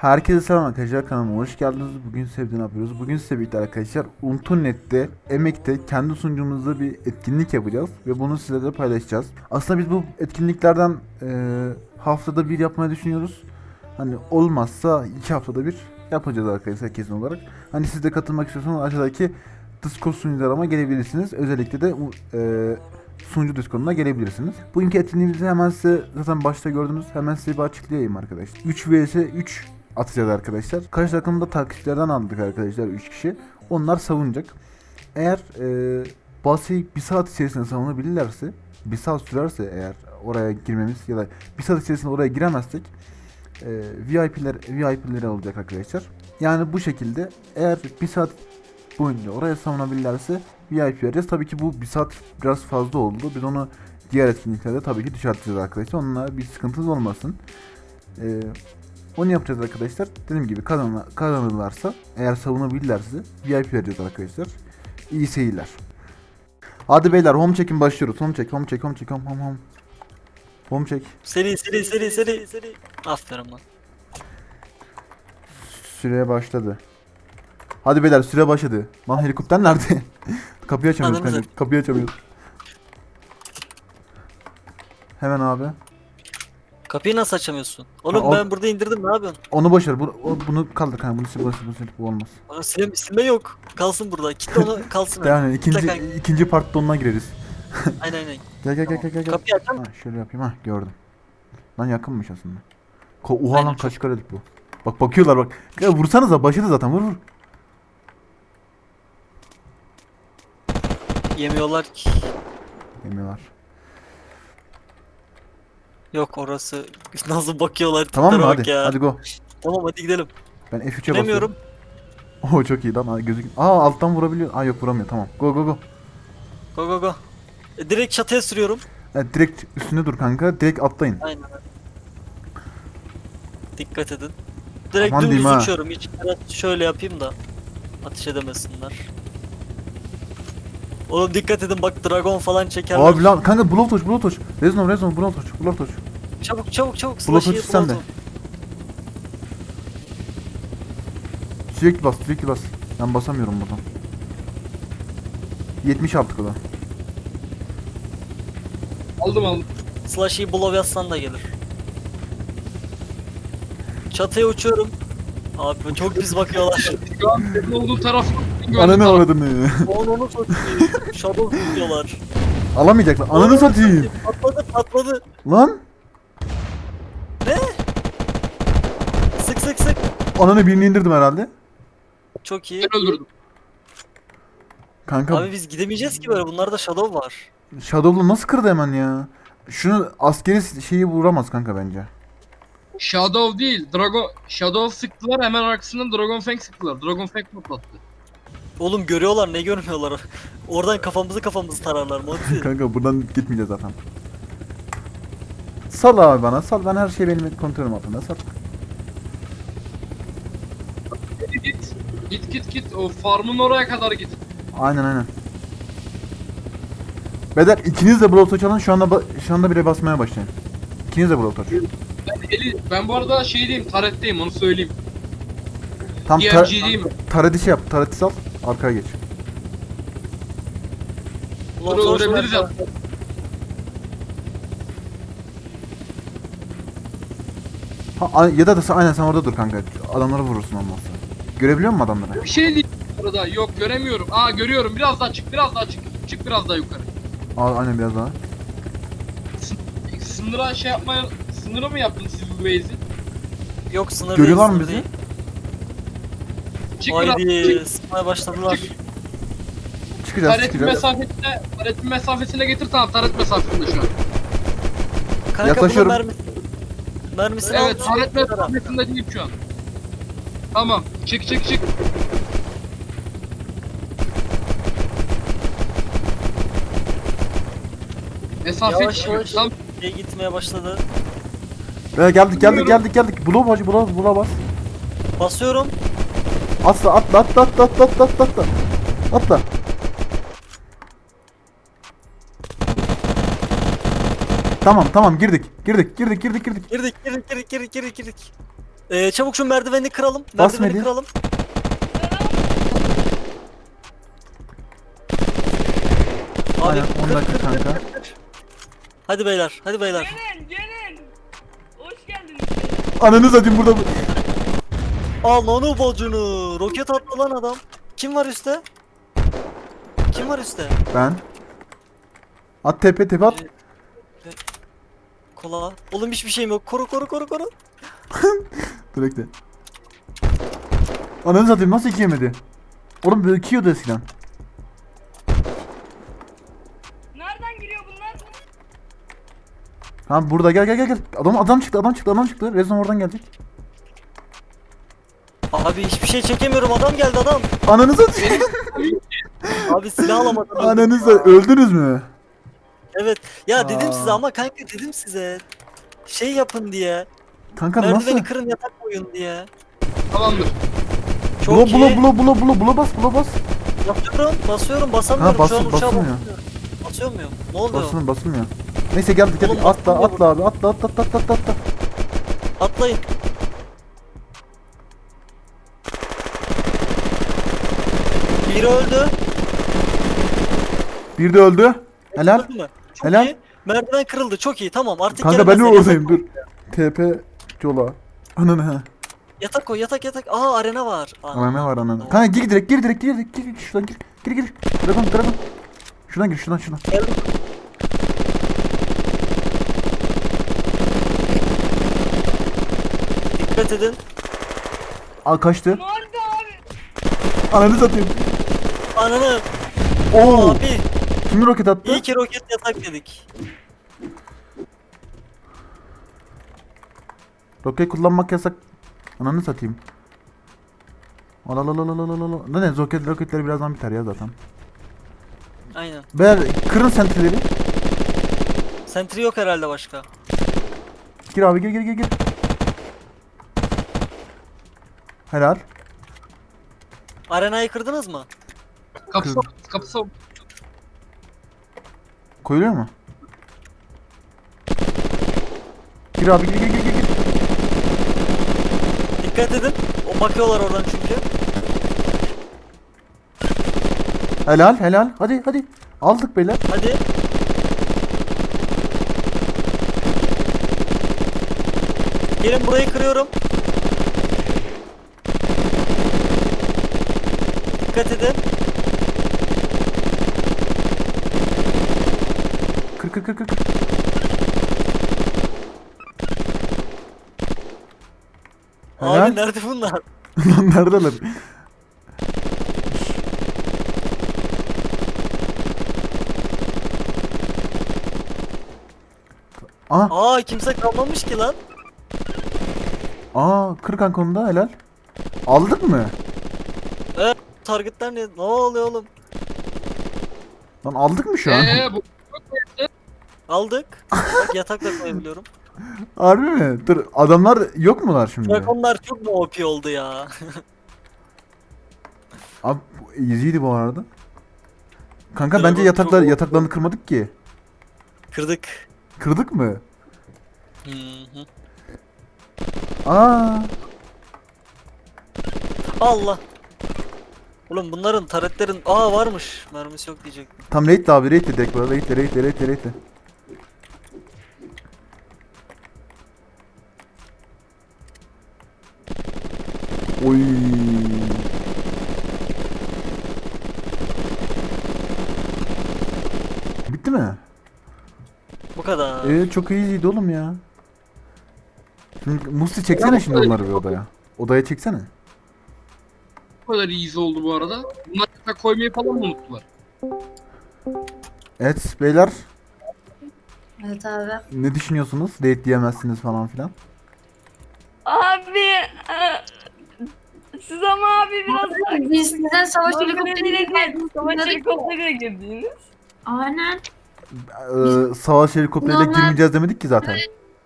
Herkese selam arkadaşlar, kanalıma hoş geldiniz. Bugün size ne yapıyoruz? Bugün size birlikte arkadaşlar Untu.net'te, Emek'te kendi sunucumuzda bir etkinlik yapacağız ve bunu sizlerle paylaşacağız. Aslında biz bu etkinliklerden haftada bir yapmayı düşünüyoruz. Hani olmazsa 2 haftada bir yapacağız arkadaşlar kesin olarak. Hani siz de katılmak istiyorsanız aşağıdaki Discord sunucularıma gelebilirsiniz. Özellikle de sunucu Discord'una gelebilirsiniz. Bugünkü etkinliğimizi hemen size zaten başta gördünüz. Hemen size bir açıklayayım arkadaşlar. 3 vs 3 atacağız arkadaşlar. Karşı takımda takipçilerden aldık arkadaşlar 3 kişi. Onlar savunacak. Eğer baseyi 1 saat içerisinde savunabilirlerse, 1 saat sürerse eğer oraya girmemiz ya da 1 saat içerisinde oraya giremezsek VIP'leri alacak arkadaşlar. Yani bu şekilde eğer 1 saat boyunca oraya savunabilirlerse VIP vereceğiz. Tabii ki bu 1 saat biraz fazla oldu. Biz onu diğer etkinliklerde tabii ki düşürteceğiz arkadaşlar. Onunla bir sıkıntınız olmasın. Onu yapacağız arkadaşlar. Dediğim gibi kazanırlarsa, eğer savunabilirlerse VIP vereceğiz arkadaşlar. İyi seyirler. Hadi beyler, home check'in başlıyoruz. Home check. Home check. Seri. Aferin lan. Süreye başladı. Hadi beyler, süre başladı. Lan helikopter nerede? Kapıyı açamıyoruz Ananı kanka. Kapıyı açamıyoruz. Hemen abi. Kapıyı nasıl açamıyorsun? Oğlum Ha, ben burada indirdim, ne yapıyorsun? Onu boşver. Bunu kaldır kanka. Bunu sil, bu olmaz. Bana silme yok. Kalsın burada. Kitle onu kalsın öyle. Yani Kitle ikinci kanka. ikinci partta onunla gireriz. Aynen. Gel. Tamam. Gel. Kapıyı açar Ha, mısın? şöyle yapayım, ha gördüm. Lan yakınmış aslında. Oha Aynen, lan, çok. kaç karelik bu. Bak bakıyorlar bak. Ya vursanıza, başladı zaten, vur. Yemiyorlar ki. Yemiyorlar. Yok orası. Nasıl bakıyorlar Tamam mı, tiplere bak hadi. ya. Hadi go. Tamam hadi gidelim. Ben F3'e basıyorum. Bilemiyorum. Oo çok iyi lan, gözük. Alttan vurabiliyor. Yok, vuramıyor, tamam. Go. Go. Direkt çatıya sürüyorum. Evet, direkt üstünde dur kanka. Direkt atlayın. Aynen. Dikkat edin. Direkt Aman dümdüz diyeyim ha. uçuyorum. Hiç şöyle yapayım da ateş edemesinler. Oğlum dikkat edin bak, dragon falan çekerler. Abi lan kanka, blow touch. Rezon, blow touch. Çabuk. Blow touch sen de. Sürekli bas. Ben basamıyorum buradan. 70 yaptık o da. Aldım. Slashy'yi blow yazsan da gelir. Çatıya uçuyorum. Abi çok pis bakıyorlar. Şu an senin olduğun taraf. Ananı avradını. Onu satayım. Shadow tutuyorlar. Alamayacaklar. Ananı satayım. Patladı. Lan. Sık. Ananı, birini indirdim herhalde. Çok iyi. Ben öldürdüm. Kanka Abi biz gidemeyeceğiz ki böyle. Bunlarda shadow var. Shadow'lu nasıl kırdı hemen ya? Şunu askeri şeyi vuramaz kanka bence. Shadow değil. Shadow sıktılar, hemen arkasından Dragon Fang sıktılar. Dragon Fang patlattı. Oğlum görüyorlar, ne görmüyorlar. Oradan kafamızı tararlar Monty. Kanka buradan gitmeyeceğiz zaten. Sal abi bana. Sal, ben her şey benim kontrolüm altında. Sal. Git. O farmın oraya kadar git. Aynen. Beyler, ikiniz de blow touch alın. Şu anda bire basmaya başlayın. İkiniz de blow touch. Ben bu arada şeydeyim, taretteyim, onu söyleyeyim. Tam DMG'deyim. tareti şey yap. Tareti sal. Arkaya geç. Ulan Bunu sonuç öldürebiliriz olarak- ya. Ya da aynen sen orada dur kanka. Adamları vurursun olmazsa. Görebiliyor musun adamları? Bir şey değil arada. Yok, göremiyorum. Görüyorum. Biraz daha çık. Çık biraz daha yukarı. Aynen, biraz daha. Sınıra sınıra mı yaptınız siz bu base'i? Yok, sınır Görüyorlar değil, mı sınır bizi? değil. Çık biraz. Haydi sıkmaya başladılar. Çık. Çıkacağız. Taretin mesafesine getir, tamam, taret mesafesinde şu an. Kanka Yaklaşıyorum. bunun mermisini Evet, al. taret mesafesinde değil şu an. Tamam, çık. Mesafe Yavaş çıkıyor. yavaş Tam gitmeye başladı. Geldik. Blow bas. Basıyorum. Atla. Atla. Tamam, girdik. Girdik. Çabuk şu merdiveni kıralım. Bas Merdiveni Melih. kıralım. Abi Aynen 10 dakika kanka. Hadi beyler, hadi beyler. Gelin. Hoş geldiniz. Ananı satayım burada. Al onu bacını. Roket attı lan adam. Kim var üstte? Kim var üstte? Ben. At tepe at. Kola. Oğlum hiçbir şeyim yok. Koru. Dur bekle. Ananı satayım nasıl 2 yemedi? Oğlum böyle 2 yiyordu eskiden. Nereden giriyor bunlar? Ha burada gel. Adam çıktı. Rezon oradan gelecek. Abi hiçbir şey çekemiyorum. Adam geldi adam. Ananı satayım. Abi silah alamadım. Ananı satayım. Öldünüz mü? Evet. Ya dedim Aa. size ama kanka dedim size. Şey yapın diye. Kanka Merdiveni nasıl? kırın yatak koyun diye. Tamamdır. Çok Bula iyi. bula bas. Basıyorum basamıyorum. Ha, Şu an uçağa basılmıyor. basamıyorum. Basıyor muyum? Ne oluyor? Basılmıyor. Neyse gel Oğlum, atla basılmıyor abi atla. Atlayın. Biri öldü. Bir de öldü. Helal. Öldü mü? Çok Helal. iyi. Merdiven kırıldı. Çok iyi. Tamam artık Kanka ben de gelemezler. oradayım dur. TP yola. Ananı ha. Yatak koy yatak. Aa arena var. Ana ne var ananı. Kanka gir direkt şuradan gir. Dragon. Şuradan gir şuradan. Geldim. Dikkat edin. Aa kaçtı. Ne oldu abi? Ananı satayım. Ananı. Oo. Abi. Kimi roket attı? İyi ki roket yatak dedik. Roket kullanmak yasak. Ananı satayım. Alalalalalalala. Ne roketleri birazdan biter ya zaten. Aynen. Beyler kırın sentry'leri. Sentry yok herhalde başka. Gir abi gir. Helal. Arenayı kırdınız mı? Kapısı Koyuluyor mu? Gir abi gir. Dikkat edin. O bakıyorlar oradan çünkü. Helal. Hadi. Aldık beyler. Hadi. Gelin burayı kırıyorum. Dikkat edin. Kır. Helal. Abi nerede bunlar? Lan neredeler? Aa kimse kalmamış ki lan. Kır kanka onu da helal. Aldık mı? Targetler ne oluyor oğlum? Lan aldık mı şu an? bu Aldık. Bak yatak da koyabiliyorum. Harbi mi? Dur adamlar yok mular şimdi? Dragonlar çok mu OP oldu ya? Abi bu easy'ydi bu arada. Kanka Dragon bence çok- yataklarını kırmadık ki. Kırdık. Kırdık mı? Hı hı. Aa, Allah. Oğlum bunların taretlerin varmış. Mermisi yok diyecektim. tam raid abi raid dedik burada raid. Oy. Bitti mi? Bu kadar. Çok iyiydi oğlum ya. Şimdi Musti çeksene şimdi onları bir odaya. Odaya çeksene. kadar easy oldu bu arada. Bunlar yatak koymayı falan mı unuttular? Evet beyler Evet abi. ne düşünüyorsunuz? Raid diyemezsiniz falan filan. Abi siz ama abi biraz Biz sizden savaş helikopteriyle helikopteriyle geldiniz. Savaş helikopteriyle girdiniz. Aynen. Savaş helikopteriyle Normal- girmeyeceğiz demedik ki zaten.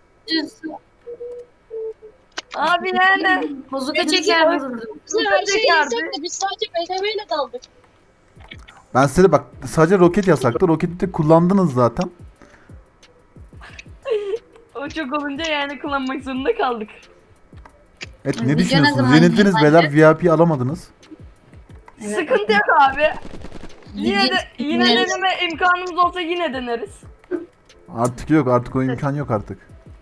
Abi yani. Bozuka çeker vururdum. Bize Her şey çekerdi. yasaktı. Biz sadece BTV ile daldık. Ben size de bak sadece roket yasaktı. Roketi de kullandınız zaten. O çok olunca yani kullanmak zorunda kaldık. Evet, Video ne ne düşünüyorsunuz? zaman Yenildiniz yayınlanacak? beyler, VIP alamadınız. Evet. Sıkıntı yok abi. Yine Evet. deneme imkanımız olsa yine deneriz. Artık yok, artık o imkan yok artık.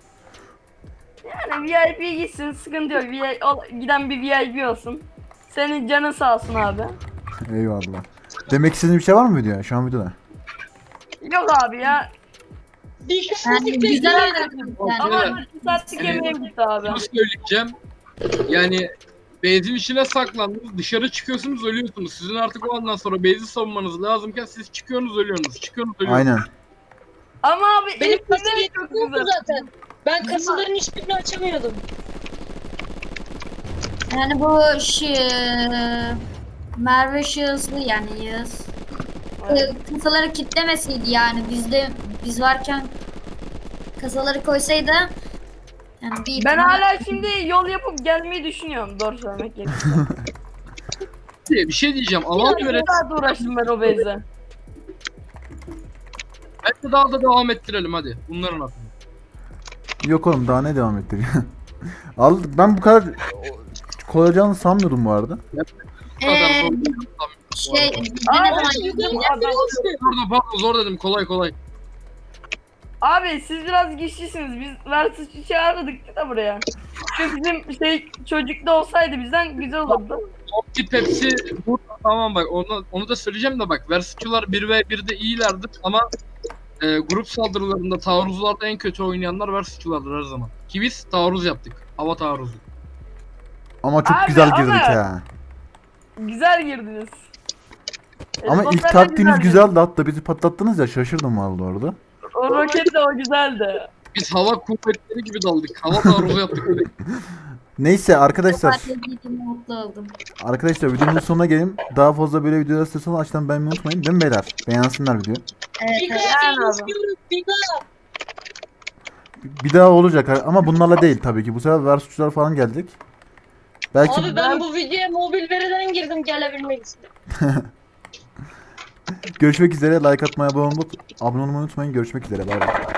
Yani VIP gitsin, sıkıntı yok. Giden bir VIP olsun. Senin canın sağ olsun abi. Eyvallah. Demek istediğiniz bir şey var mı videoya? Şu an videoda. Yok abi ya. Bir Yani kısmı güzel bekliyorum. oynadık yani. Ama Evet. 2 saatlik Evet. yemeğim gitti abi. Şunu söyleyeceğim. Yani base'in içine saklandınız. Dışarı çıkıyorsunuz, ölüyorsunuz. Sizin artık o andan sonra base'i savunmanız lazımken siz çıkıyorsunuz, ölüyorsunuz. Çıkıyorsunuz, ölüyorsunuz. Aynen. Ama abi Benim ilk kasa güzel çok yoktu güzel. zaten. Ben kasaların hiçbirini açamıyordum. Yani bu Merve şahıslı yani Yağız. Kasaları kitlemeseydi yani biz varken kasaları koysaydı yani bir Ben ihtimal- hala şimdi yol yapıp gelmeyi düşünüyorum. Doğru söylemek gerekirse. Bir şey diyeceğim. Alan Bir göre saat uğraştım ben o base'e. bence daha da devam ettirelim hadi. Bunların hakkında. Yok oğlum, daha ne devam ettik? Ben bu kadar kolay olacağını sanmıyordum bu arada. Bu kadar Ee, zor. şey Aa, ne zaman Yukarıdan biri uçtu. Pardon zor dedim, kolay kolay. Abi siz biraz güçlüsünüz. Biz Versus'u çağırdık da buraya. Çünkü bizim çocukta olsaydı bizden güzel olurdu. Opti Pepsi burada, tamam bak onu da söyleyeceğim de bak Versatçılar 1v1'de iyilerdir ama grup saldırılarında taarruzlarda en kötü oynayanlar Versatçılardır her zaman. Ki biz taarruz yaptık. Hava taarruzu. Ama çok Abi, güzel ama- girdik ha. Güzel girdiniz. Ama ilk Helikopterle taktiğiniz güzel güzeldi, hatta bizi patlattınız ya, şaşırdım vallahi orada. girdiniz. O roket de o güzeldi. Biz hava kuvvetleri gibi daldık. Hava taarruzu yaptık. Neyse arkadaşlar, Partiyediğim mutlu oldum. videonun sonuna gelin. Daha fazla böyle videolar istiyorsanız aşağıdan beğenmeyi unutmayın, değil mi beyler? Beğensinler videoyu. Evet, Bir evet. kasa Yani abi. istiyoruz. Bir daha. Bir daha olacak ama bunlarla değil tabii ki. Bu sefer Versus'lar falan geldik. Belki Abi ben bu videoya mobil veriden girdim gelebilmek için. görüşmek üzere. Like atmayı, abone olmayı unutmayın. Görüşmek üzere. Bay bay.